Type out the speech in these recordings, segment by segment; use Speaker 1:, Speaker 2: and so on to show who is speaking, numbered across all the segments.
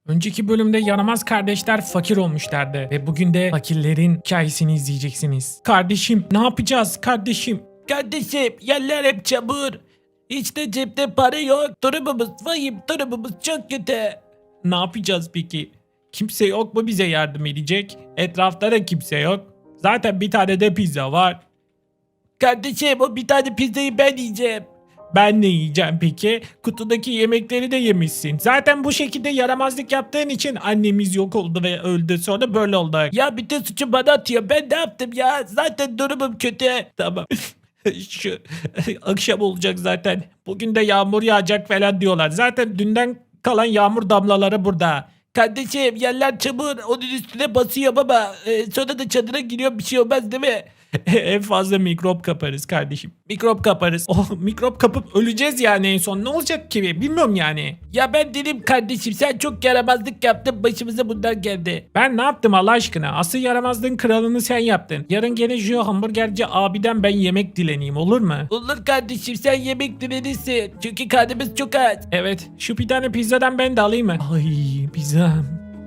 Speaker 1: Önceki bölümde yaramaz kardeşler fakir olmuşlardı ve bugün de fakirlerin hikayesini izleyeceksiniz. Kardeşim ne yapacağız kardeşim?
Speaker 2: Kardeşim yerler hep çamur. Hiç de cepte para yok. Durumumuz vahim, durumumuz çok kötü.
Speaker 1: Ne yapacağız peki? Kimse yok mu bize yardım edecek? Etrafta da kimse yok. Zaten bir tane de pizza var.
Speaker 2: Kardeşim o bir tane pizzayı ben yiyeceğim.
Speaker 1: Ben ne yiyeceğim peki? Kutudaki yemekleri de yemişsin. Zaten bu şekilde yaramazlık yaptığın için annemiz yok oldu ve öldü. Sonra böyle oldu.
Speaker 2: Ya bütün suçu bana atıyor. Ben ne yaptım ya? Zaten durumum kötü.
Speaker 1: Tamam. Şu akşam olacak zaten. Bugün de yağmur yağacak falan diyorlar. Zaten dünden kalan yağmur damlaları burada.
Speaker 2: Kardeşim yerler çamur. Onun üstüne basıyorum ama sonra da çadıra giriyor, bir şey olmaz değil mi?
Speaker 1: En fazla mikrop kaparız kardeşim. Mikrop kaparız. Oh, mikrop kapıp öleceğiz yani en son. Ne olacak ki? Bilmiyorum yani.
Speaker 2: Ya ben dedim kardeşim sen çok yaramazlık yaptın, başımıza bunlar geldi.
Speaker 1: Ben ne yaptım Allah aşkına? Asıl yaramazlığın kralını sen yaptın. Yarın gene şu hamburgerci abiden ben yemek dileneyim, olur mu?
Speaker 2: Olur kardeşim, sen yemek dilenirsin. Çünkü karnımız çok aç.
Speaker 1: Evet. Şu bir tane pizzadan ben de alayım mı? Ay pizza.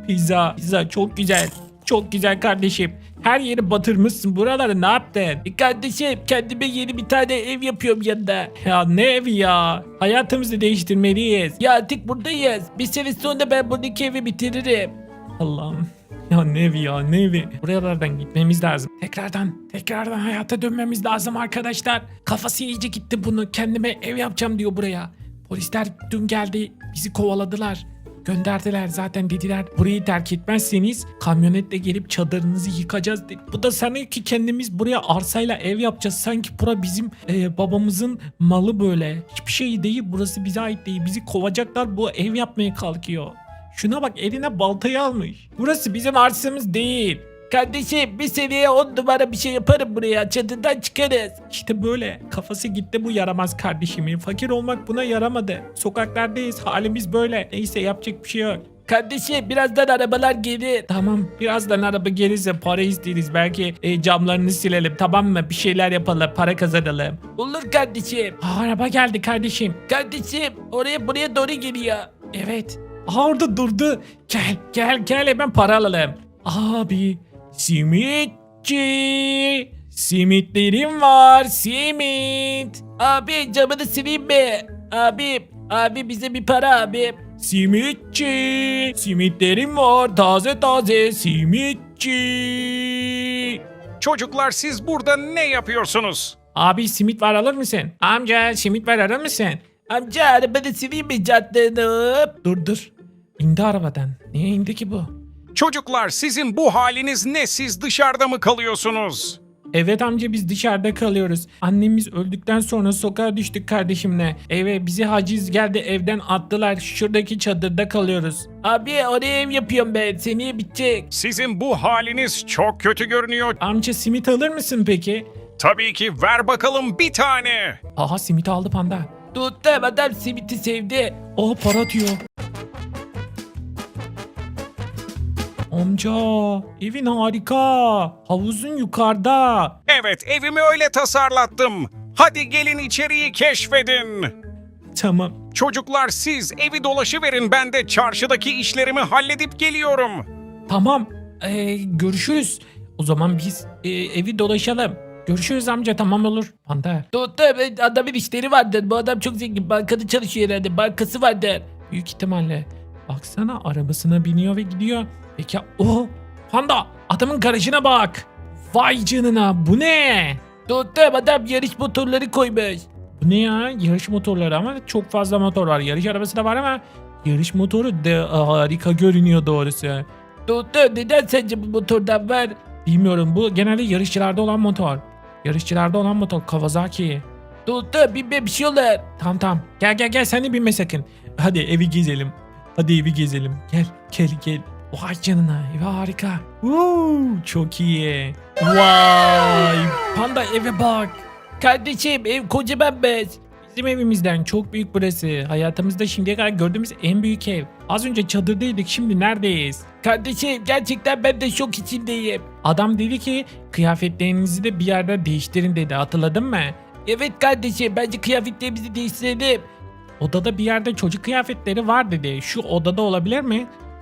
Speaker 1: Pizza çok güzel. Çok güzel kardeşim. Her yeri batırmışsın. Buraları ne yaptın?
Speaker 2: Kardeşim kendime yeni bir tane ev yapıyorum yanında.
Speaker 1: Ya ne evi ya? Hayatımızı değiştirmeliyiz.
Speaker 2: Ya artık buradayız. Bir sene sonra ben buradaki evi bitiririm.
Speaker 1: Allah'ım. Ya ne evi ya ne evi? Buralardan gitmemiz lazım. Tekrardan hayata dönmemiz lazım arkadaşlar. Kafası iyice gitti bunu. Kendime ev yapacağım diyor buraya. Polisler dün geldi. Bizi kovaladılar. Gönderdiler zaten, dediler burayı terk etmezseniz kamyonetle gelip çadırınızı yıkacağız dedi. Bu da sanıyor ki kendimiz buraya arsayla ev yapacağız. Sanki bura bizim babamızın malı böyle. Hiçbir şey değil, burası bize ait değil. Bizi kovacaklar, bu ev yapmaya kalkıyor. Şuna bak, eline baltayı almış. Burası bizim arsamız değil.
Speaker 2: Kardeşim bir seneye 10 numara bir şey yaparım buraya. Çadırdan çıkarız.
Speaker 1: İşte böyle kafası gitti bu yaramaz kardeşimin. Fakir olmak buna yaramadı. Sokaklardayız, halimiz böyle. Neyse yapacak bir şey yok.
Speaker 2: Kardeşim birazdan arabalar gelir.
Speaker 1: Tamam, birazdan araba gelirse para isteriz. Belki camlarını silelim, tamam mı? Bir şeyler yapalım, para kazanalım.
Speaker 2: Olur kardeşim.
Speaker 1: Araba geldi kardeşim.
Speaker 2: Kardeşim oraya buraya doğru geliyor.
Speaker 1: Evet. Orada durdu. Gel hemen para alalım. Abi simitçi. Simitlerim var, simit.
Speaker 2: Abi camını sileyim mi? Abi bize bir para abi.
Speaker 1: Simitçi. Simitlerim var, taze simitçi.
Speaker 3: Çocuklar siz burada ne yapıyorsunuz?
Speaker 1: Abi simit var, alır mısın? Amca simit var, alır mısın?
Speaker 2: Amca arabanı sileyim mi caddeni?
Speaker 1: Dur. İndi arabadan. Niye indi ki bu?
Speaker 3: Çocuklar sizin bu haliniz ne? Siz dışarıda mı kalıyorsunuz?
Speaker 1: Evet amca, biz dışarıda kalıyoruz. Annemiz öldükten sonra sokağa düştük kardeşimle. Eve bizi haciz geldi, evden attılar. Şuradaki çadırda kalıyoruz.
Speaker 2: Abi oraya ev yapıyorum ben. Seneye bitecek.
Speaker 3: Sizin bu haliniz çok kötü görünüyor.
Speaker 1: Amca simit alır mısın peki?
Speaker 3: Tabii ki ver bakalım bir tane.
Speaker 1: Aha, simit aldı panda.
Speaker 2: Tuttum, adam simiti sevdi.
Speaker 1: Oh, para atıyor. Amca evin harika. Havuzun yukarıda.
Speaker 3: Evet evimi öyle tasarlattım. Hadi gelin içeriği keşfedin.
Speaker 1: Tamam.
Speaker 3: Çocuklar siz evi dolaşıverin, ben de çarşıdaki işlerimi halledip geliyorum.
Speaker 1: Tamam. Görüşürüz. O zaman biz evi dolaşalım. Görüşürüz amca, tamam olur. Panda.
Speaker 2: Tuttum, adamın işleri vardır. Bu adam çok zengin. Bankada çalışıyor herhalde. Bankası vardır.
Speaker 1: Büyük ihtimalle. Baksana, arabasına biniyor ve gidiyor. Peki o panda, adamın garajına bak. Vay canına, bu ne?
Speaker 2: Tuttum, adam yarış motorları koymuş.
Speaker 1: Bu ne ya? Yarış motorları, ama çok fazla motor var. Yarış arabası da var ama yarış motoru da harika görünüyor doğrusu.
Speaker 2: Tuttum, neden sence bu motordan var?
Speaker 1: Bilmiyorum, bu genelde yarışçılarda olan motor. Yarışçılarda olan motor Kawasaki.
Speaker 2: Tuttum, binme bir şey olur.
Speaker 1: Tamam. Gel sen de binme sakın. Hadi evi gezelim. Gel. Vay canına, ev harika. Çok iyi. Vay, panda eve bak.
Speaker 2: Kardeşim ev kocaman bez.
Speaker 1: Bizim evimizden çok büyük burası. Hayatımızda şimdiye kadar gördüğümüz en büyük ev. Az önce çadırdaydık, şimdi neredeyiz?
Speaker 2: Kardeşim gerçekten ben de şok içindeyim.
Speaker 1: Adam dedi ki kıyafetlerinizi de bir yerde değiştirin dedi, hatırladın mı?
Speaker 2: Evet kardeşim, bence kıyafetlerimizi değiştirelim.
Speaker 1: Odada bir yerde çocuk kıyafetleri var dedi. Şu odada olabilir mi?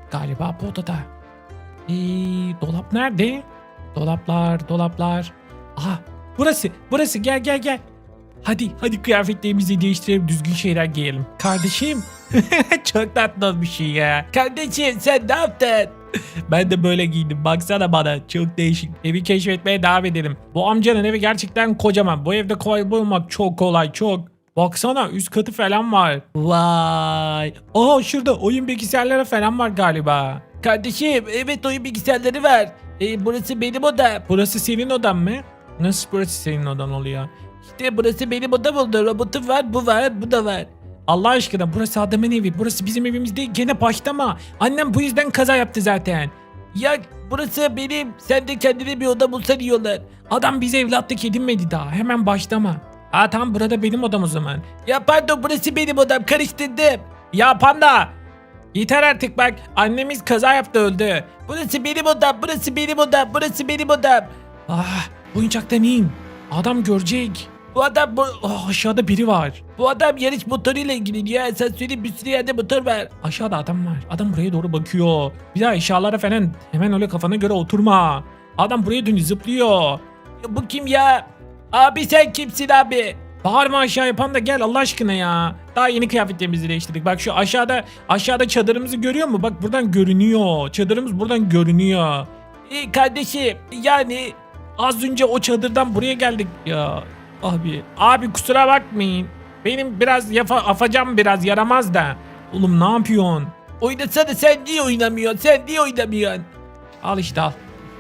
Speaker 1: Galiba bu odada. Dolap nerede? Dolaplar. Aha, burası. Gel. Hadi kıyafetlerimizi değiştirelim, düzgün şeyler giyelim. Kardeşim. Çok tatlı bir şey ya.
Speaker 2: Kardeşim sen ne yaptın?
Speaker 1: Ben de böyle giydim. Baksana bana. Çok değişik. Evi keşfetmeye devam edelim. Bu amcanın evi gerçekten kocaman. Bu evde kolay bulmak çok kolay. Çok. Baksana üst katı falan var. Vay. Aa, şurada oyun bilgisayarları falan var galiba.
Speaker 2: Kardeşim evet oyun bilgisayarları var. Burası benim odam.
Speaker 1: Burası senin odan mı? Nasıl burası senin odan oluyor?
Speaker 2: İşte burası benim odam oldu. Robotum var, bu var, bu da var.
Speaker 1: Allah aşkına burası adamın evi. Burası bizim evimiz değil. Gene başlama. Annem bu yüzden kaza yaptı zaten.
Speaker 2: Ya burası benim. Sen de kendine bir oda bulsan iyi olur.
Speaker 1: Adam bize evlatlık edinmedi daha. Hemen başlama. Ha tamam, burada benim odam o zaman.
Speaker 2: Ya pardon burası benim odam. Karıştırdım.
Speaker 1: Ya panda. Yeter artık bak. Annemiz kaza yaptı, öldü.
Speaker 2: Burası benim odam. Burası benim odam. Burası benim odam.
Speaker 1: Ah, oyuncaktan in. Adam görecek.
Speaker 2: Bu adam
Speaker 1: Aşağıda biri var.
Speaker 2: bu adam yarış motoruyla ilgileniyor. Ya sen söyle bir sürü yerde motor var.
Speaker 1: Aşağıda adam var. Adam buraya doğru bakıyor. Bir daha eşyalara falan hemen öyle kafana göre oturma. Adam buraya dönüyor, zıplıyor.
Speaker 2: Ya bu kim ya? Abi sen kimsin abi?
Speaker 1: Bağırma aşağı yapan da gel Allah aşkına ya. Daha yeni kıyafetlerimizi değiştirdik. Bak şu aşağıda çadırımızı görüyor musun? Bak buradan görünüyor. Çadırımız buradan görünüyor.
Speaker 2: Kardeşim yani
Speaker 1: Az önce o çadırdan buraya geldik ya. Abi kusura bakmayın. Benim biraz afacam biraz yaramaz da. Oğlum ne yapıyorsun?
Speaker 2: oynasana sen niye oynamıyorsun? Sen niye oynamıyorsun?
Speaker 1: Al işte al.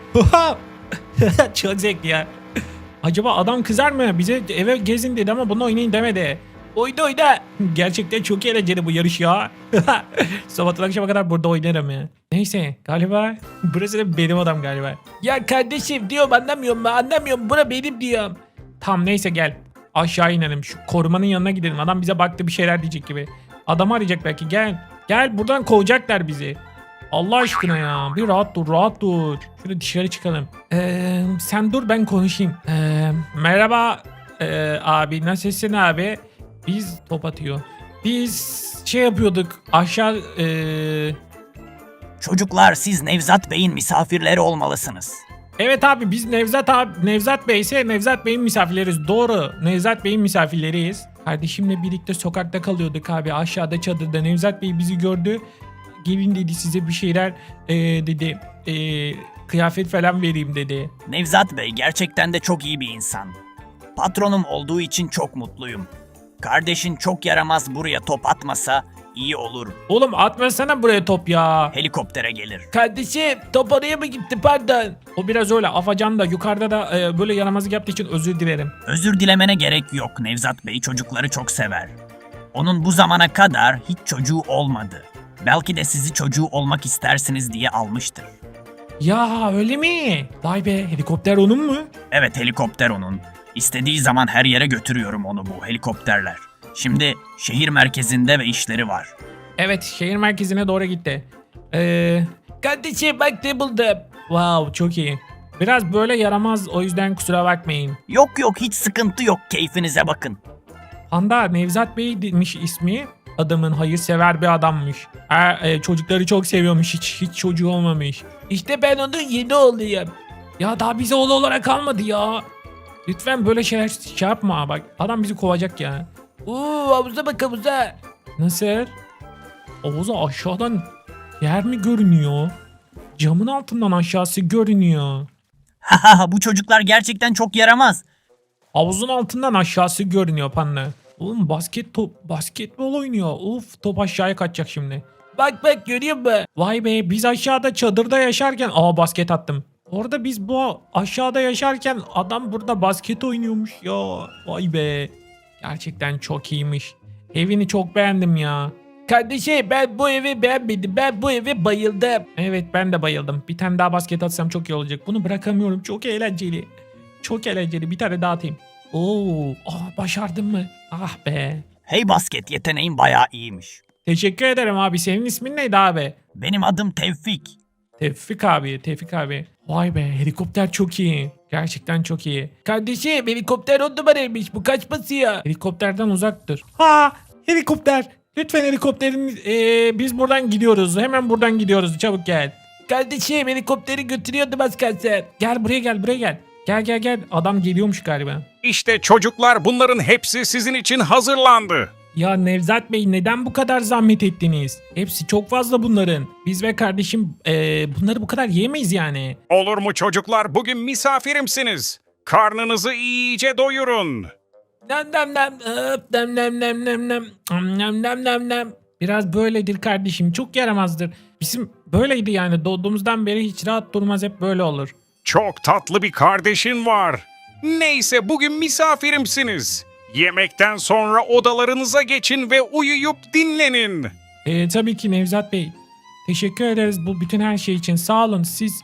Speaker 1: Çok zevkli ya. Acaba adam kızar mı? Bize eve gezin dedi ama bunu oynayın demedi.
Speaker 2: Oyna.
Speaker 1: Gerçekten çok eğlenceli bu yarış ya. Sabahtan akşama kadar burada oynarım ya. Neyse galiba burası da benim odam galiba.
Speaker 2: Ya kardeşim diyorum anlamıyorum ben anlamıyorum. Bura benim diyorum.
Speaker 1: Tamam neyse gel. Aşağı inelim. Şu korumanın yanına gidelim. Adam bize baktı bir şeyler diyecek gibi. Adamı arayacak belki. Gel. Gel buradan kovacaklar bizi. Allah aşkına ya. Bir rahat dur. Şöyle dışarı çıkalım. Sen dur ben konuşayım. Merhaba abi. Nasılsın abi? Biz top atıyor. Biz şey yapıyorduk. Aşağı
Speaker 4: Çocuklar siz Nevzat Bey'in misafirleri olmalısınız.
Speaker 1: evet abi biz Nevzat Bey ise Nevzat Bey'in misafirleriyiz. Doğru. Nevzat Bey'in misafirleriyiz. Kardeşimle birlikte sokakta kalıyorduk abi. Aşağıda çadırda Nevzat Bey bizi gördü. Gelin dedi size bir şeyler dedi. Kıyafet falan vereyim dedi.
Speaker 4: Nevzat Bey gerçekten de çok iyi bir insan. Patronum olduğu için çok mutluyum. Kardeşin çok yaramaz buraya top atmasa iyi olur.
Speaker 1: Oğlum atmasana buraya top ya.
Speaker 4: Helikoptere gelir.
Speaker 2: Kardeşim top oraya mı gitti pardon?
Speaker 1: O biraz öyle afacan da yukarıda da böyle yaramazlık yaptığı için özür dilerim.
Speaker 4: Özür dilemene gerek yok. Nevzat Bey çocukları çok sever. Onun bu zamana kadar hiç çocuğu olmadı. Belki de sizi çocuğu olmak istersiniz diye almıştır.
Speaker 1: Ya öyle mi? Vay be, helikopter onun mu?
Speaker 4: Evet, helikopter onun. İstediği zaman her yere götürüyorum onu bu helikopterler. Şimdi şehir merkezinde ve işleri var.
Speaker 1: Evet, şehir merkezine doğru gitti.
Speaker 2: Kardeşim bak ne buldum.
Speaker 1: Wow, çok iyi. Biraz böyle yaramaz, o yüzden kusura bakmayın.
Speaker 4: Yok hiç sıkıntı yok, keyfinize bakın.
Speaker 1: Panda, Nevzat Bey demiş ismi. Adamın hayırsever bir adammış. Çocukları çok seviyormuş, hiç çocuğu olmamış.
Speaker 2: İşte ben onun yeni oğluyum.
Speaker 1: Ya daha bize oğlu olarak kalmadı ya. Lütfen böyle şeyler şey yapma bak. Adam bizi kovacak ya.
Speaker 2: Havuza bak havuza.
Speaker 1: Nasıl? Havuza aşağıdan yer mi görünüyor? Camın altından aşağısı görünüyor.
Speaker 4: Haha, bu çocuklar gerçekten çok yaramaz.
Speaker 1: Havuzun altından aşağısı görünüyor Panda. Oğlum basketbol oynuyor. Uf, top aşağıya kaçacak şimdi.
Speaker 2: Bak görüyor musun?
Speaker 1: Vay be, biz aşağıda çadırda yaşarken basket attım. Orada biz bu aşağıda yaşarken adam burada basket oynuyormuş ya. Vay be. Gerçekten çok iyiymiş. Evini çok beğendim ya.
Speaker 2: Kardeşim ben bu evi beğenmedim. Ben bu eve bayıldım.
Speaker 1: Evet, ben de bayıldım. Bir tane daha basket atsam çok iyi olacak. Bunu bırakamıyorum. Çok eğlenceli. Çok eğlenceli. Bir tane daha atayım. Başardım mı? Ah be.
Speaker 4: Hey basket, yeteneğin bayağı iyiymiş.
Speaker 1: Teşekkür ederim abi. Senin ismin neydi abi?
Speaker 4: Benim adım Tevfik.
Speaker 1: Tevfik abi. Vay be, helikopter çok iyi. Gerçekten çok iyi.
Speaker 2: Kardeşim helikopter 10 numaraymış. Bu kaç basıyor?
Speaker 1: Helikopterden uzaktır. Helikopter. Lütfen helikopterin biz buradan gidiyoruz. Hemen buradan gidiyoruz. Çabuk gel.
Speaker 2: Kardeşim helikopteri götürüyordum az kalsın.
Speaker 1: Gel buraya gel buraya gel. Gel. Adam geliyormuş galiba.
Speaker 3: İşte çocuklar, bunların hepsi sizin için hazırlandı.
Speaker 1: Ya Nevzat Bey neden bu kadar zahmet ettiniz? Hepsi çok fazla bunların. Biz ve kardeşim bunları bu kadar yiyemeyiz yani.
Speaker 3: Olur mu çocuklar? Bugün misafirimsiniz. Karnınızı iyice doyurun.
Speaker 2: Nem nem nem. Hop, nem nem nem nem nem. Nem nem nem nem.
Speaker 1: Biraz böyledir kardeşim. Çok yaramazdır. Bizim böyleydi yani. Doğduğumuzdan beri hiç rahat durmaz. Hep böyle olur.
Speaker 3: Çok tatlı bir kardeşin var. Neyse, bugün misafirimsiniz. Yemekten sonra odalarınıza geçin ve uyuyup dinlenin.
Speaker 1: Tabii ki Nevzat Bey. Teşekkür ederiz bu bütün her şey için. Sağ olun. Siz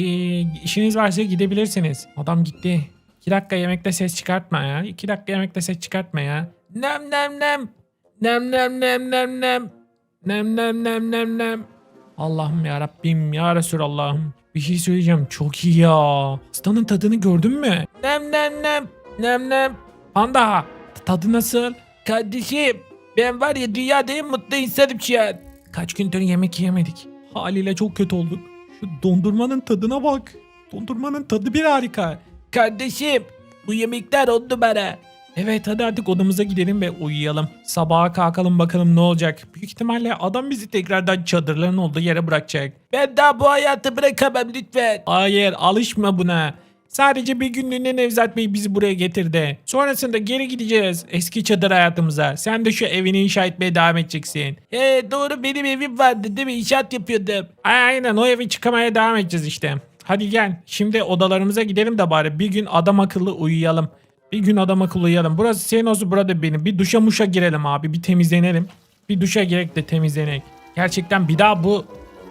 Speaker 1: işiniz varsa gidebilirsiniz. Adam gitti. 2 dakika yemekte ses çıkartma ya. 2 dakika yemekte ses çıkartma ya.
Speaker 2: Nem nem nem. Nem nem nem nem nem. Nem nem nem nem nem.
Speaker 1: Allah'ım ya Rabbim ya Resulallah'ım. Bir şey söyleyeceğim. Çok iyi ya. Pastanın tadını gördün mü?
Speaker 2: Nem nem nem. Nem nem.
Speaker 1: Panda. Tadı nasıl?
Speaker 2: Kardeşim ben var ya dünyada en mutlu insanım şu an.
Speaker 1: Kaç gündür yemek yemedik. Haliyle çok kötü olduk. Şu dondurmanın tadına bak. Dondurmanın tadı bir harika.
Speaker 2: Kardeşim bu yemekler 10 numara.
Speaker 1: Evet hadi artık odamıza gidelim ve uyuyalım. Sabaha kalkalım bakalım ne olacak. Büyük ihtimalle adam bizi tekrardan çadırların olduğu yere bırakacak.
Speaker 2: Ben daha bu hayatı bırakamam lütfen.
Speaker 1: Hayır alışma buna. Sadece bir günlüğüne Nevzat Bey bizi buraya getirdi. Sonrasında geri gideceğiz eski çadır hayatımıza. Sen de şu evini inşa etmeye devam edeceksin.
Speaker 2: Doğru benim evim vardı değil mi? İnşaat yapıyordum.
Speaker 1: Aynen o evi çıkamaya devam edeceğiz işte. Hadi gel şimdi odalarımıza gidelim de bari bir gün adam akıllı uyuyalım. Bir gün adam akıllı uyuyalım. Burası senin olsun burada benim. Bir duşa muşa girelim abi bir temizlenelim. Bir duşa girek de temizlenek. Gerçekten bir daha bu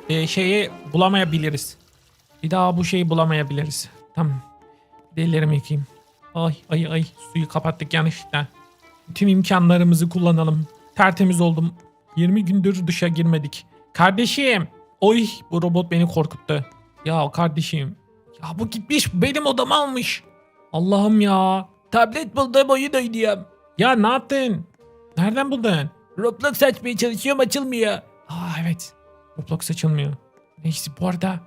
Speaker 1: şeyi bulamayabiliriz. Bir daha bu şeyi bulamayabiliriz. Tamam. Ellerimi yıkayayım. Ay suyu kapattık yanlışlıkla. Bütün imkanlarımızı kullanalım. Tertemiz oldum. 20 gündür duşa girmedik. Kardeşim. Oy bu robot beni korkuttu. Ya kardeşim. Ya bu gitmiş benim odamı almış. Allah'ım ya.
Speaker 2: Tablet buldum oyun oynuyorum.
Speaker 1: Ya ne yaptın? Nereden buldun?
Speaker 2: Roblox açmaya çalışıyorum açılmıyor.
Speaker 1: Evet. Roblox açılmıyor. Neyse bu arada.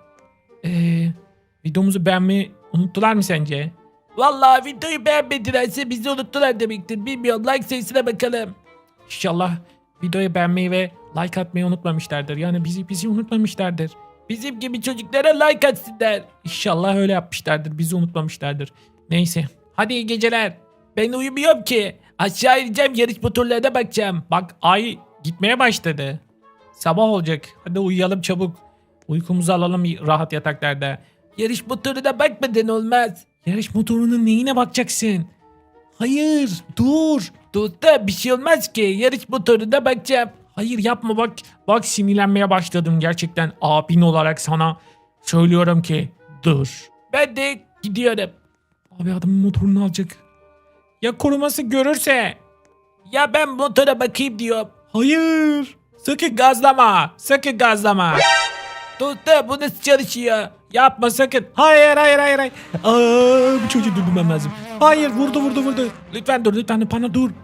Speaker 1: Videomuzu beğenmeyi unuttular mı sence?
Speaker 2: Vallahi videoyu beğenmedilerse bizi unuttular demektir. Bilmiyorum like sayısına bakalım.
Speaker 1: İnşallah videoyu beğenmeyi ve like atmayı unutmamışlardır. Yani bizi unutmamışlardır.
Speaker 2: Bizim gibi çocuklara like atsınlar.
Speaker 1: İnşallah öyle yapmışlardır. Bizi unutmamışlardır. Neyse. Hadi iyi geceler.
Speaker 2: Ben uyumuyorum ki. Aşağı ineceğim yarış motorlarına bakacağım.
Speaker 1: Bak ay gitmeye başladı. Sabah olacak. Hadi uyuyalım çabuk. Uykumuzu alalım rahat yataklarda.
Speaker 2: Yarış motoruna bakmadan olmaz.
Speaker 1: Yarış motorunun neyine bakacaksın? Hayır dur.
Speaker 2: Dostum bir şey olmaz ki. Yarış motoruna bakacağım.
Speaker 1: Hayır yapma bak. Bak sinirlenmeye başladım gerçekten. Abin olarak sana söylüyorum ki dur.
Speaker 2: Ben de gidiyorum.
Speaker 1: Abi adamın motorunu alacak. Ya koruması görürse?
Speaker 2: Ya ben motora bakayım diyorum.
Speaker 1: Hayır. Sakın gazlama. Sakın gazlama.
Speaker 2: Dostum bu nasıl çalışıyor?
Speaker 1: Yapma sakın. Hayır. Bu çocuğu durdurmam lazım. Hayır vurdu. Lütfen dur Panda dur.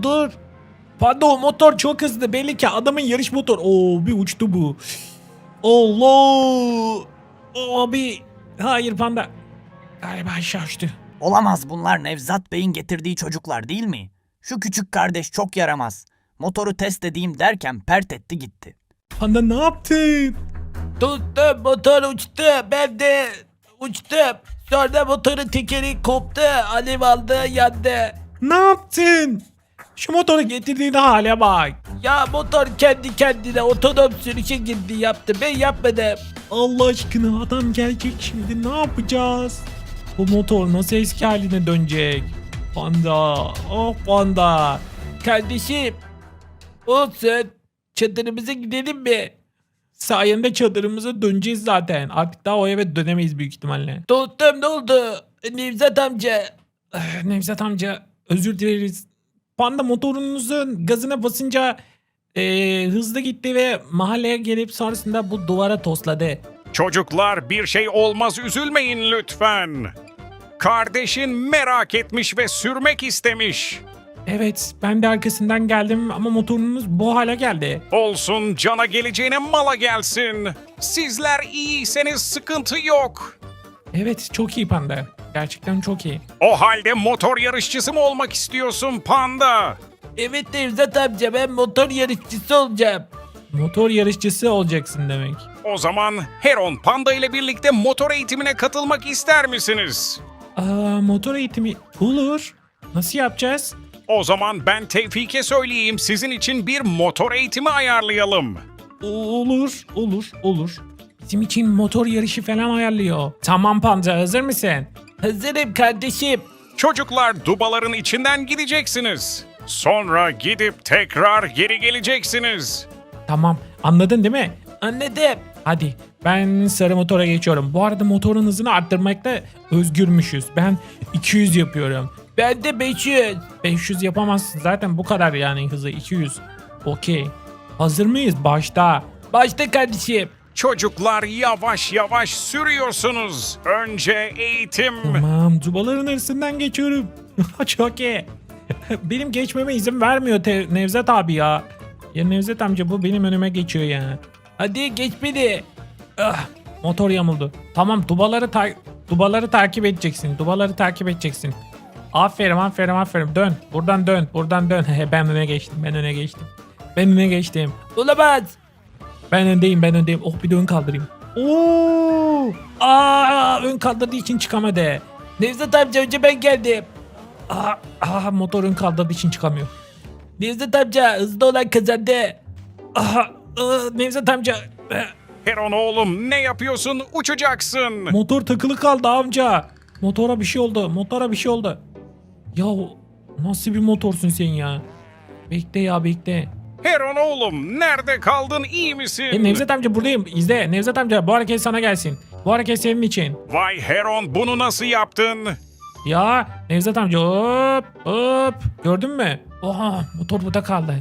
Speaker 1: Panda o motor çok hızlı. Belli ki adamın yarış motor. Oo bir uçtu bu. Allah. Abi. Hayır Panda. Galiba aşağı uçtu.
Speaker 4: Olamaz, bunlar Nevzat Bey'in getirdiği çocuklar değil mi? Şu küçük kardeş çok yaramaz. Motoru test edeyim derken pert etti gitti.
Speaker 1: Panda ne yaptın?
Speaker 2: Dostum motor uçtu. Ben de uçtum. Sonra motorun tekeri koptu. Alev aldı yandı.
Speaker 1: Ne yaptın? Şu motoru getirdiğin hale bak.
Speaker 2: Ya motor kendi kendine otonom sürüşe girdi yaptı. Ben yapmadım.
Speaker 1: Allah aşkına adam gelecek şimdi ne yapacağız? Bu motor nasıl eski haline dönecek? Panda, oh Panda.
Speaker 2: Kardeşim. Olsun. Çadırımıza gidelim mi?
Speaker 1: Sayende çadırımıza döneceğiz zaten. Artık daha o eve dönemeyiz büyük ihtimalle.
Speaker 2: Dostum ne oldu? Nevzat amca.
Speaker 1: Nevzat amca özür dileriz. Panda motorunuzun gazına basınca hızlı gitti ve mahalleye gelip sonrasında bu duvara tosladı.
Speaker 3: Çocuklar, bir şey olmaz, üzülmeyin lütfen. Kardeşin merak etmiş ve sürmek istemiş.
Speaker 1: Evet, ben de arkasından geldim ama motorunuz bu hale geldi.
Speaker 3: Olsun, cana geleceğine mala gelsin. Sizler iyiyseniz sıkıntı yok.
Speaker 1: Evet, çok iyi panda. Gerçekten çok iyi.
Speaker 3: O halde motor yarışçısı mı olmak istiyorsun panda?
Speaker 2: Evet Nevzat amca, ben motor yarışçısı olacağım.
Speaker 1: Motor yarışçısı olacaksın demek.
Speaker 3: O zaman Heron panda ile birlikte motor eğitimine katılmak ister misiniz?
Speaker 1: Motor eğitimi olur. Nasıl yapacağız?
Speaker 3: O zaman ben Tevfik'e söyleyeyim, sizin için bir motor eğitimi ayarlayalım.
Speaker 1: Olur. Bizim için motor yarışı falan ayarlıyor. Tamam panda, hazır mısın?
Speaker 2: Hazırım kardeşim.
Speaker 3: Çocuklar, dubaların içinden gideceksiniz. Sonra gidip tekrar geri geleceksiniz.
Speaker 1: Tamam, anladın değil mi?
Speaker 2: Anladım.
Speaker 1: Hadi ben sarı motora geçiyorum. Bu arada motorun hızını arttırmakta özgürmüşüz. Ben 200 yapıyorum.
Speaker 2: Ben de 500.
Speaker 1: 500 yapamazsın zaten, bu kadar yani hızı 200. Okey. Hazır mıyız? Başta.
Speaker 2: Başla kardeşim.
Speaker 3: Çocuklar, yavaş yavaş sürüyorsunuz. Önce eğitim.
Speaker 1: Tamam, dubaların arasından geçiyorum. Çok iyi. Benim geçmeme izin vermiyor Nevzat abi ya. Ya Nevzat amca, bu benim önüme geçiyor ya.
Speaker 2: Hadi geç beni.
Speaker 1: Motor yamuldu. Tamam, dubaları takip edeceksin. Dubaları takip edeceksin. Aferin. Dön. Buradan dön. Ben öne geçtim.
Speaker 2: Olamaz.
Speaker 1: Ben öndeyim. Oh, bir de ön kaldırayım. Oo! Ön kaldırdığı için çıkamadı.
Speaker 2: Nevzat amca, önce ben geldim.
Speaker 1: Motor ön kaldırdığı için çıkamıyor.
Speaker 2: Nevzat amca, hızlı olan kazandı.
Speaker 1: Nevzat amca.
Speaker 3: Heron oğlum, ne yapıyorsun? Uçacaksın.
Speaker 1: Motor takılı kaldı amca. Motora bir şey oldu. Ya nasıl bir motorsun sen ya? Bekle.
Speaker 3: Heron oğlum, nerede kaldın? İyi misin?
Speaker 1: Nevzat amca, buradayım. İzle Nevzat amca, bu hareket sana gelsin. Bu hareket senin için.
Speaker 3: Vay Heron, bunu nasıl yaptın?
Speaker 1: Ya Nevzat amca, hop. Gördün mü? Oha, motor burada kaldı.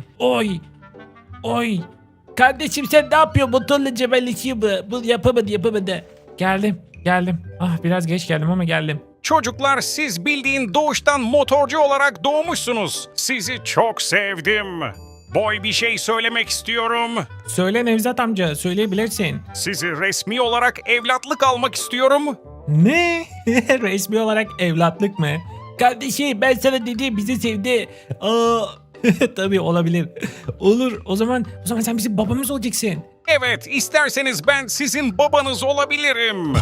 Speaker 1: Oy.
Speaker 2: Kardeşim, sen ne yapıyorsun? Motorla cebelleşiyor mu? Bu yapamadı.
Speaker 1: Geldim. Biraz geç geldim ama geldim.
Speaker 3: Çocuklar, siz bildiğin doğuştan motorcu olarak doğmuşsunuz. Sizi çok sevdim. Boy, bir şey söylemek istiyorum.
Speaker 1: Söyle Nevzat amca, söyleyebilirsin.
Speaker 3: Sizi resmi olarak evlatlık almak istiyorum.
Speaker 1: Ne? Resmi olarak evlatlık mı?
Speaker 2: Kardeşim, ben sana dedim, bizi sevdi.
Speaker 1: Tabii olabilir. Olur. O zaman sen bizim babamız olacaksın.
Speaker 3: Evet, isterseniz ben sizin babanız olabilirim.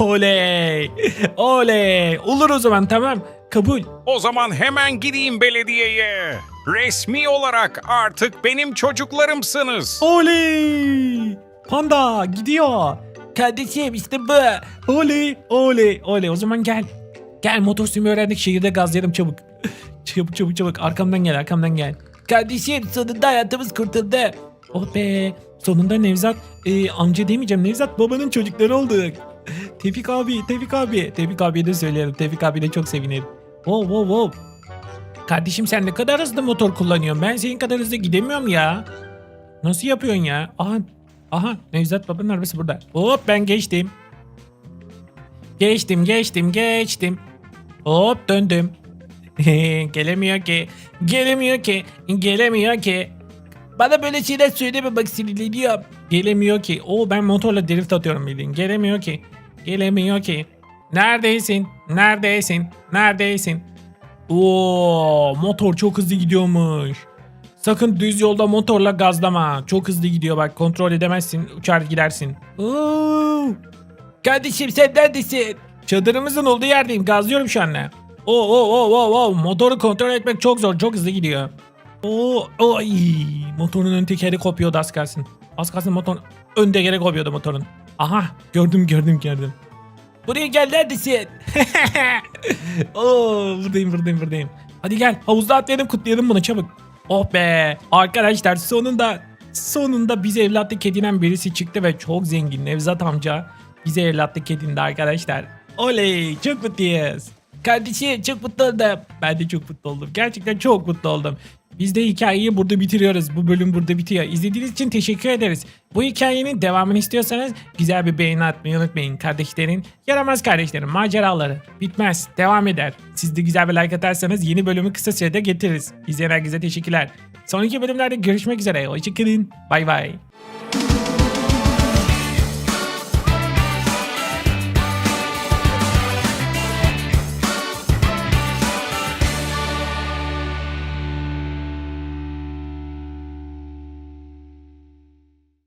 Speaker 1: Oley. Olur o zaman, tamam. Kabul.
Speaker 3: O zaman hemen gideyim belediyeye. Resmi olarak artık benim çocuklarımsınız.
Speaker 1: Oley. Panda gidiyor.
Speaker 2: Kardeşim, işte bu.
Speaker 1: Oley. O zaman gel. Gel, motor sürmeyi öğrendik. Şehirde gazlayalım çabuk. Çabuk. Arkamdan gel.
Speaker 2: Kardeşim, sonunda hayatımız kurtuldu.
Speaker 1: Oh be. Sonunda Nevzat amca demeyeceğim. Nevzat babanın çocukları olduk. Tevfik abiye de söyleyelim. Tevfik abi de çok sevinir. Wow. Kardeşim, sen ne kadar hızlı motor kullanıyorsun. Ben senin kadar hızlı gidemiyorum ya. Nasıl yapıyorsun ya? Aha, Nevzat babanın arabası burada. Hop, ben geçtim. Geçtim. Hop, döndüm. Gelemiyor ki.
Speaker 2: Bana böyle şeyler söyleme, bak sinirleniyorum.
Speaker 1: Gelemiyor ki. Ben motorla drift atıyorum bildiğin. Gelemiyor ki. Neredesin? Motor çok hızlı gidiyormuş. Sakın düz yolda motorla gazlama. Çok hızlı gidiyor bak. Kontrol edemezsin. Uçar gidersin.
Speaker 2: Kardeşim, sen neredesin?
Speaker 1: Çadırımızın olduğu yerdeyim. Gazlıyorum şu anda. Motoru kontrol etmek çok zor. Çok hızlı gidiyor. Motorun ön tekeri kopuyordu az kalsın. Motorun ön tekeri kopuyordu motorun. Aha, gördüm.
Speaker 2: Buraya gel, neredesin?
Speaker 1: Buradayım. Hadi gel, havuzda atlayalım, kutlayalım bunu çabuk. Oh be arkadaşlar, sonunda bize evlatlık edinen birisi çıktı ve çok zengin. Nevzat amca bize evlatlık edindi arkadaşlar. Oley, çok mutluyuz.
Speaker 2: Kardeşim, çok mutlu oldum.
Speaker 1: Ben de çok mutlu oldum. Gerçekten çok mutlu oldum. Biz de hikayeyi burada bitiriyoruz. Bu bölüm burada bitiyor. İzlediğiniz için teşekkür ederiz. Bu hikayenin devamını istiyorsanız güzel bir beğeni atmayı unutmayın. Kardeşlerin, yaramaz kardeşlerin maceraları bitmez, devam eder. Siz de güzel bir like atarsanız yeni bölümü kısa sürede getiririz. İzleyen herkese teşekkürler. Sonraki bölümlerde görüşmek üzere. Hoşçakalın. Bay bay.